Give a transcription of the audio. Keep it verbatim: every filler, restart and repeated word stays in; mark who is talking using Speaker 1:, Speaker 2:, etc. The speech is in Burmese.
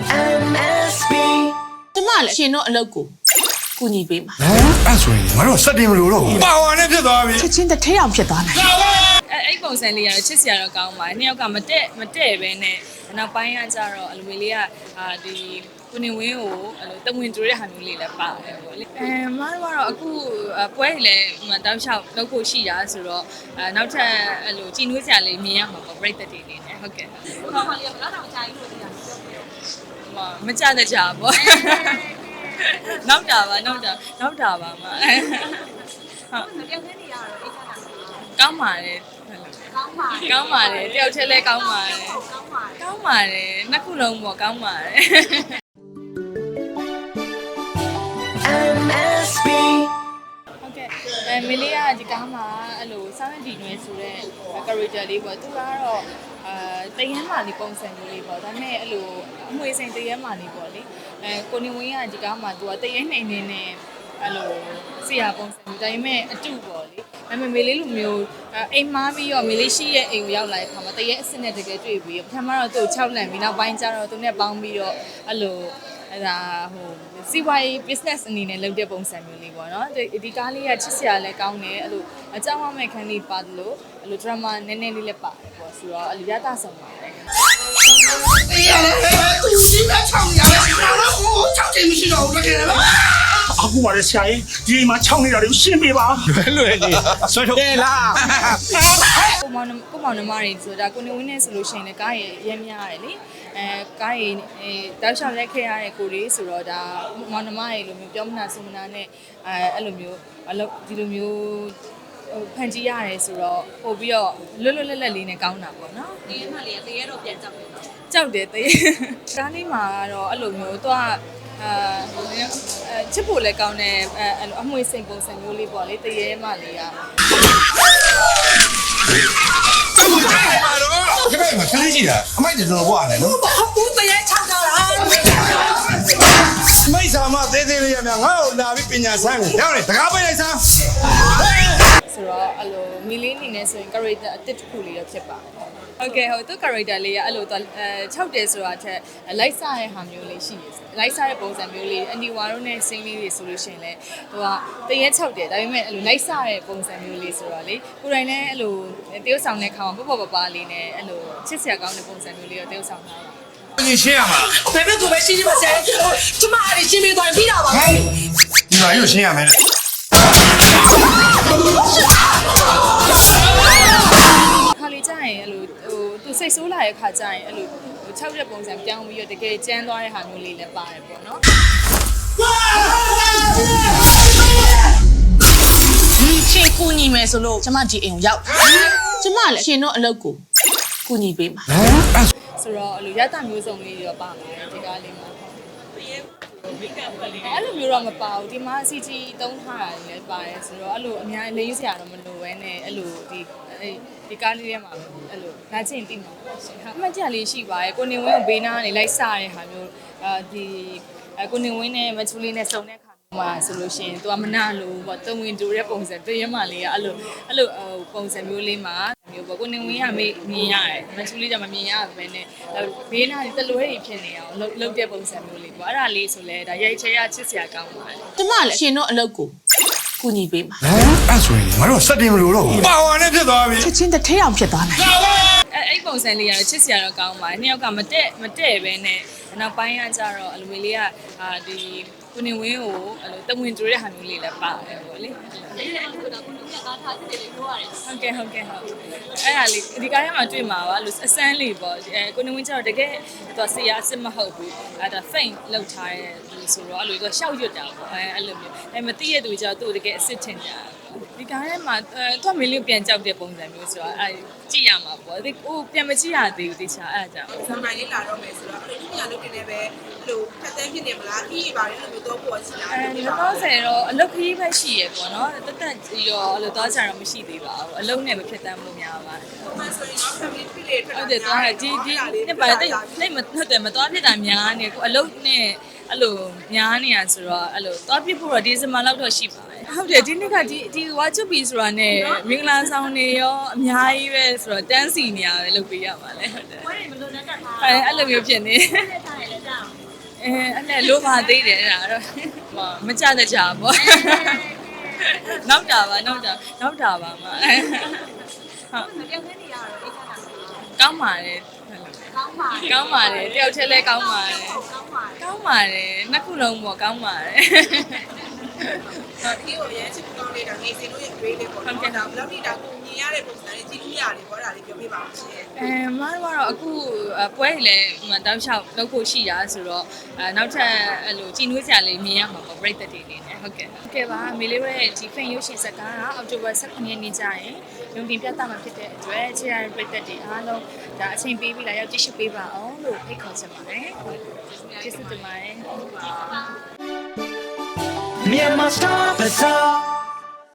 Speaker 1: M S B
Speaker 2: ကျမလည်းရှင်တို့အလုပ်ကိုကူညီပေးမှာ
Speaker 3: ဟမ်အဲ့ဆိုရင်ငါတို့စက်တင်မလို့တော့ပါဝါနဲ့ဖြစ်သွားပြီ
Speaker 2: ချက်ချင်းတစ်ထဲအောင်ဖြစ်သွားနိုင်
Speaker 4: အဲအဲ့ပုံစံလေးကတော့ချစ်စရာတော့ကောင်းပါတယ်နှစ်ယောက်ကမတက်မတက်ပဲနဲ့နောက်ပိုင်းကကြတော့အလူမီလေးကအာဒီကိုနေဝင်းကိုအဲ့လိုတဝင်တူတဲ့ဟာမျိုးလေးလည်းပါတယ်ပေါ့လေအဲမတို့ကတော့အခုပွဲတွေလည်းတောက်လျှောက်လုပ်ဖို့ရှိတာဆိုတော့အဲနောက်ထပ်အဲ့လိုကြည်နွေးစရာလေးမြင်ရမှာပေါ့ပြိတ္တတွေနေနဲ့ဟုတ်ကဲ့ဟုတ်ပါလေဘယ်တော့ကြာကြီးလို့ပြောတာမကြတဲ့ကြာပေါ့နောက်တာပါနောက်တာနောက်တာပါမဟုတ်တယောက်တည်းနေရတော့အိတ်ချတာကောင်းပါတယ်ကောင်းပါတယ်ကောင်းပါတယ်တယောက်တည်းလည်းကောင်းပါတယ်ကောင်းပါတယ်ကောင်းပါတယ်နှစ်ခုလုံးပေါ့ကောင်းပါတယ်
Speaker 1: M S B
Speaker 4: ဟုတ်ကဲ့အဲမီလီယာဒီကားမှာအဲ့လိုစောင်းရည်ဒီနွယ်ဆိုတဲ့ character လေးပေါ့သူကတော့အာတရမ်းမာလေးပုံစံမျိုးလေးပေါ့ဒါပေမဲ့အဲ့လိုအမွေစိန်တရမ်းမာလေးပေါ့လေအဲကိုနေဝင်းကဒီကားမှာသူကတရမ်းနေနေနဲ့အဲ့လိုဆရာပုံစံမျိုးဒါပေမဲ့အတူပေါ့လေဒါပေမဲ့မေလေးလိုမျိုးအိမ်မားပြီးတော့မေလေးရှိရဲ့အိမ်ကိုရောက်လာတဲ့အခါမှာတရမ်းအစ်စ်နဲ့တကယ်တွေ့ပြီးပထမတော့သူ့ကိုခြောက်လန့်ပြီးနောက်ပိုင်းကျတော့သူနဲ့ပေါင်းပြီးတော့အဲ့လိုအဲ့ဒါဟိုစီဝိုင်း business အနေနဲ့လုပ်တဲ့ပုံစံမျိုးလေးပေါ့နော်ဒီကားလေးကချစ်စရာလည်းကောင်းတယ်အဲ့လိုအကြောင်းအမဲ့ခန်းလေးပါတယ်လို့အဲ့လို drama နည်းနည်းလေးလည်းပါတယ်ပေါ့ဆိုတော့အဲ့လိုရတာဆောင်ပါတယ်
Speaker 5: 哎呀，都有新的厂家了，哪能我厂这么洗澡这个了？
Speaker 6: အခုပါလေဆရာကြီးဒီမှာခြောက်နေတာတွေကိုရှင်းပေးပါ
Speaker 3: လွယ်လွယ်လေးဆွဲထုတ်တယ်လား
Speaker 4: ကိုမောင်ကိုမောင်နှမတွေဆိုတာကိုနေဝင်းနဲ့ဆိုလို့ရှိရင်လည်းကားရရမ်းများရတယ်လေအဲကားရအဲတောက်လျှောက်လက်ခဲ့ရတဲ့ကိုလေးဆိုတော့ဒါမောင်နှမတွေလိုမျိုးပြောမနာဆိုမနာနဲ့အဲအဲ့လိုမျိုးအလုပ်ဒီလိုမျိုးဖန်တီးရတယ်ဆိုတော့ပို့ပြီးတော့လွတ်လွတ်လပ်လပ်လေးနဲ့ကောင်းတာပေါ့နော်ဒီရက်မှလေးကတရေတော့ပြန်ကြောက်တယ်ကြောက်တယ်တရေကားလေးမှာတော့အဲ့လိုမျိုးသူကအာချစ်ဖို့လည်းကောင်းတယ်အဲအမွေစိန်ပုံစံမျိုးလေးပေါ့လေတရေမှလေးက
Speaker 3: ဒီဘက်မှာခလေးရှိတာအမိုက်တော်တော်ဘွားတယ်နော်
Speaker 5: 我本来厂家了，
Speaker 3: မိတ်ဆာမသေးသေးလေးရမြငါ့ကိုလာပြီးပညာဆန်းကိုရောက်နေတကားပိတ်လိုက်စမ်း
Speaker 4: ဆိုတော့အဲ့လိုမီလင်းနေနေဆိုရင် character အတစ်တစ်ခုလေးတော့ဖြစ်ပါတယ်ဟုတ်ကဲ့ဟုတ်သူ character လေးကအဲ့လိုအဲခြောက်တယ်ဆိုတာထက်လိုက်စားတဲ့ဟာမျိုးလေးရှိတယ်လိုက်စားတဲ့ပုံစံမျိုးလေးအနီဝါတို့နဲ့စင်းလေးတွေဆိုလို့ရှိရင်လည်းသူကတရက်ခြောက်တယ်ဒါပေမဲ့အဲ့လိုလိုက်စားတဲ့ပုံစံမျိုးလေးဆိုတော့လေကိုယ်တိုင်လည်းအဲ့လိုတရုပ်ဆောင်တဲ့ခါမှာပေါ့ပေါ့ပါပါလေးနဲ့အဲ့လိုချစ်စရာကောင်းတဲ့ပုံစံမျိုးလေးတော့တရုပ်ဆောင်ထားတာ
Speaker 3: 你ရှင်းရမှာ
Speaker 5: 别别做呗，洗洗吧，洗，他妈的洗没断皮了吧？
Speaker 3: ဒီမှာရုပ်ရှင်းရမယ်လေ
Speaker 4: ခါလေးကြာရင်အဲ့လိုဟိုသူစိတ်ဆိုးလာတဲ့ခါကြာရင်အဲ့လိုဟိုခြောက်တဲ့ပုံစံပြောင်းပြီးတော့တကယ်ကျန်းသွားတဲ့ဟာမျိုးလေးလည်းပါတယ်ပေါ့နော်
Speaker 2: ဒီချင်းကူညီမယ်ဆိုလို့ကျမဒီအိမ်ကိုရောက်ကျမလည်းရှင်တို့အလုပ်ကိုကူညီပေးမှာ
Speaker 3: ဟမ်အဲ့
Speaker 4: ဆိုတော့အဲ့လိုရတမျိုးစုံလေးရောပါပါတယ်ဒီကားလေးမှာအဲ့လိုမျိုးတော့မပါဘူးဒီမှာ C G သုံးထားတာလည်းပါတယ်ဆိုတော့အဲ့လိုအများလေးစရာတော့မလိုဘဲနဲ့အဲ့လိုဒီဒီကားလေးထဲမှာအဲ့လိုနားချင်းတိမှာပေါ့ရှင်ဟာအမှတ်တရလေးရှိပါတယ်ကိုနေဝင်းကိုဘေးနားကနေလိုက်စားတဲ့ဟာမျိုးအာဒီကိုနေဝင်းနဲ့မချူလေးနဲ့စုံတဲ့ခါမှာဆိုလို့ရှိရင်သူကမနာလို့ပေါ့တုံဝင်တူတဲ့ပုံစံတရမလေးကအဲ့လိုအဲ့လိုပုံစံမျိုးလေးမှာမျိုးပေါ့ကိုနေဝင်းကမေးမြင်ရတယ်မချူလေးကမမြင်ရဘူးပဲနဲ့ဘေးနားတလွဲတွေဖြစ်နေအောင်လှုပ်တဲ့ပုံစံမျိုးလေးပေါ့အဲ့ဒါလေးဆိုလဲဒါရိုက်ချဲရချစ်စရာကောင်းပါတယ်
Speaker 2: ကျမလည်းရှင်တို့အလုပ်ကိုကူညီပေးမှာ
Speaker 3: ဟမ်အဲ့ဆိုရင်ငါတို့စက်တင်မလို့တော့ပါဝါနဲ့ဖြစ်သွားပြီ
Speaker 2: ချက်ချင်းတစ်ထဲအောင်ဖြစ်သွားနိုင်
Speaker 4: အဲအဲ့ပုံစံလေးကတော့ချစ်စရာတော့ကောင်းပါတယ်နှစ်ယောက်ကမတက်မတက်ပဲနဲ့နောက်ပိုင်းကကြတော့အလူမီလေးကအာဒီကိုနေဝင်းကိုအဲ့လိုတဝင်တူတဲ့ဟာမျိုးလေးလည်းပါတယ်ပေါ့လေအဲ့ဒါကိုတော့ကိုနေဝင်းကကားထားစစ်တယ်လို့ပြောရတယ်ဟုတ်ကဲ့ဟုတ်ကဲ့ဟုတ်အဲ့ဒါလေးဒီကားထဲမှာတွေ့မှာပါလို့အစမ်းလေးပေါ့အဲကိုနေဝင်းကျတော့တကယ်သူဆရာအစ်စ်မဟုတ်ဘူးအဲ့ဒါ faint လောက်ထားတဲ့လူဆိုတော့အဲ့လိုသူရှောက်ရွတ်တာပေါ့အဲအဲ့လိုမျိုးအဲမသိရသူကျတော့သူတကယ်အစ်စ်ထင်တာဒီကားထဲမှာအဲသူကမင်းလေးပြန်ကြောက်တဲ့ပုံစံမျိုးဆိုတော့အဲကြည့်ရမှာပေါ့ဒီဟိုပြန်မကြည့်ရသေးဘူးတခြားအဲ့ဒါကြောင့်
Speaker 7: ဇန်မိုင်လေးလာတော့မယ်ဆိုတော့အဲ့လိုညလုပ်နေတယ်ပဲအဲ့လိုဖက်တန်းဖြစ်နေမလားခီးပါလေအဲ့လိုတော့ပေါ်ချင်တာ
Speaker 4: အဲလောလောဆယ်တော့အလုတ်ခရီးပဲရှိရပေါ့နော်တက်တက်ရောအဲ့လိုသွားကြတော့မရှိသေးပါဘူးအလုတ်နဲ့မဖြစ်တမ်းလို့များပါတယ်
Speaker 7: ။မှဆိုရင်တော့ family trip လေးထွက်
Speaker 4: ဟုတ်တယ်သွားဒီဒီနှစ်ပါတိတ်တိတ်မဟုတ်တယ်မသွားဖြစ်တာများနေကိုအလုတ်နဲ့အဲ့လိုများနေရဆိုတော့အဲ့လိုသွားပြဖို့တော့ဒီဇင်ဘာလောက်တော့ရှိပါတယ်ဟုတ်တယ်ဒီနှစ်ကဒီဒီဝါချူပီဆိုတာနဲ့မင်္ဂလာဆောင်နေရောအများကြီးပဲဆိုတော့တန်းစီနေရပဲလုပ်ပေးရပါလေဟုတ်တယ်
Speaker 7: ဘယ်လိုလဲတက်ထား
Speaker 4: အဲအဲ့လိုမျိုးဖြစ်နေ
Speaker 7: တယ်ထားတယ်လည်းကြောက်
Speaker 4: အဲအဲ့နဲ့လိုပါသေးတယ်အဲ့ဒါတော့ဟောမကြတဲ့ကြပေါ့နောက်တာပါနောက်တာနောက်တာပါမဟုတ်ပြောင်းနေရတော့အိတ်ခါတာကောင်းပါတယ်ကောင်းပါတယ်ကောင်းပါတယ်တယောက်တည်းလဲကောင်းပါတယ်ကောင်းပါတယ်နှစ်ခုလုံးပေါ့ကောင်းပါတယ်
Speaker 7: ဒီကိုရဲချစ်ကောင်းလေးတာနေစင်တို့ရဲ့ grade လေးပေါ့နော်ဒါဘယ်လောက်ထိဒါကိုမြင်ရတဲ့ပုံစံလေးကြည့်လို့ရတယ်ပေါ့ဒါလေးပြောပြပါဦးရှင်
Speaker 4: အဲမတော်ကတော့အခုပွဲတွေလည်းတောက်လျှောက်လုပ်ဖို့ရှိတာဆိုတော့အဲနောက်ထပ်အဲ့လိုကြည်နွေးစရာလေးမြင်ရမှာပေါ့ပြိတ္တတွေနေနဲ့ဟုတ်ကဲ့ဟုတ်ကဲ့ပါမေလေးရဲ့ဒီဖင်ရုပ်ရှင်ဇာတ်ကားကအောက်တိုဘာ၁၇ရက်နေ့ကျရင်ရုံတင်ပြသမှာဖြစ်တဲ့အတွက်ခြေရပြိတ္တတွေအားလုံးဒါအချိန်ပေးပြီးလာရောက်ကြည့်ရှုပေးပါအောင်လို့ဖိတ်ခေါ်ချင်ပါတယ်ကျေးဇူးတင်ပါတယ်
Speaker 1: Myanmar Star Bazaar